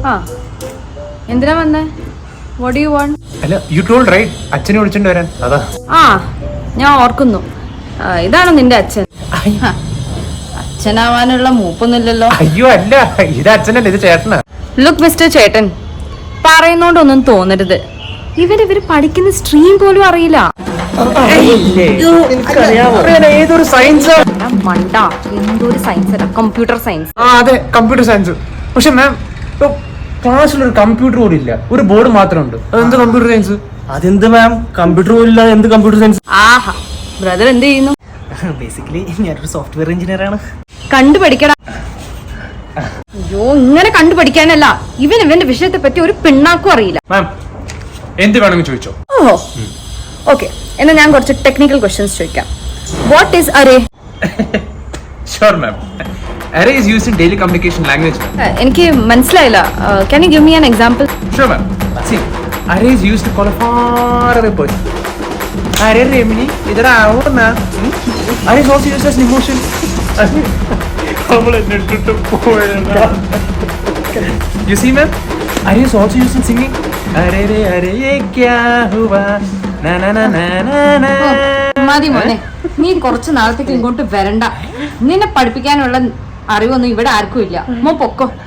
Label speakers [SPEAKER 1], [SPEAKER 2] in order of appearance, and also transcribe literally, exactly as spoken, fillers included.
[SPEAKER 1] ആ എന്തിനാ വന്നേ? What do you want?
[SPEAKER 2] അല്ല യു ടോൾഡ് റൈറ്റ് അച്ഛനെ വിളിച്ചോണ്ട് വരാൻ. അതാ.
[SPEAKER 1] ആ ഞാൻ ഓർക്കുന്നു. ഇതാണോ നിന്റെ അച്ഛൻ? അച്ഛനാവാനുള്ള മൂപ്പൊന്നുമില്ലല്ലോ.
[SPEAKER 2] അയ്യോ അല്ല, ഇത് അച്ഛനല്ല, ഇത് ചേട്ടനാ.
[SPEAKER 1] ലുക്ക് മിസ്റ്റർ ചേട്ടൻ, പറയുന്നോണ്ടൊന്നും തോന്നരുത്. ഇവര് ഇവര് പഠിക്കുന്ന സ്ട്രീം പോലും അറിയില്ല.
[SPEAKER 2] ഏതൊരു സയൻസ്
[SPEAKER 1] മണ്ട, എന്തൊരു സയൻസ് അല്ല, കമ്പ്യൂട്ടർ സയൻസ്.
[SPEAKER 2] ആ അതെ, കമ്പ്യൂട്ടർ സയൻസ്. പക്ഷെ മാം ക്ലാസ്സിലൊരു കമ്പ്യൂട്ടർ പോലും ഇല്ല, ഒരു ബോർഡ് മാത്രമുണ്ട്. അതെന്ത് കമ്പ്യൂട്ടർ സയൻസ്?
[SPEAKER 3] അതെന്ത് മാം, കമ്പ്യൂട്ടർ പോലും ഇല്ല, എന്ത് കമ്പ്യൂട്ടർ സയൻസ്?
[SPEAKER 1] ആഹാ, ബ്രദർ എന്ത് ചെയ്യുന്നു?
[SPEAKER 3] ബേസിക്കലി ഞാനൊരു സോഫ്റ്റ്വെയർ എഞ്ചിനീയർ ആണ്.
[SPEAKER 1] കണ്ടു പഠിക്കടാ. അയ്യോ, ഇങ്ങനെ കണ്ടു പഠിക്കാനല്ല, ഇവൻ ഇവന്റെ വിഷയത്തെ പറ്റി ഒരു പിണ്ണാക്കും അറിയില്ല.
[SPEAKER 2] മാം എന്ത് വേണമെങ്കിൽ ചോദിച്ചോ.
[SPEAKER 1] ഓഹോ, ഓക്കെ, എന്നാ ഞാൻ കുറച്ച് ടെക്നിക്കൽ ക്വസ്റ്റ്യൻസ് ചോദിക്കാം. What is array?
[SPEAKER 2] Sure ma'am. Array is used in daily communication language.
[SPEAKER 1] എനിക്ക് മനസ്സിലായില്ല. Can you give me an example?
[SPEAKER 2] Sure ma'am. See, array is used to call a far away person. Array Remini, idhar aao na. Array is also used as an emotion. You see ma'am? Array is also used in singing. Array re array ye kya hua na na na na na na.
[SPEAKER 1] മതി മോനെ, നീ കുറച്ച് നാളത്തേക്ക് ഇങ്ങോട്ട് വരണ്ട. നിന്നെ പഠിപ്പിക്കാനുള്ള അറിവൊന്നും ഇവിടെ ആർക്കും ഇല്ല. മോ പൊക്കോ.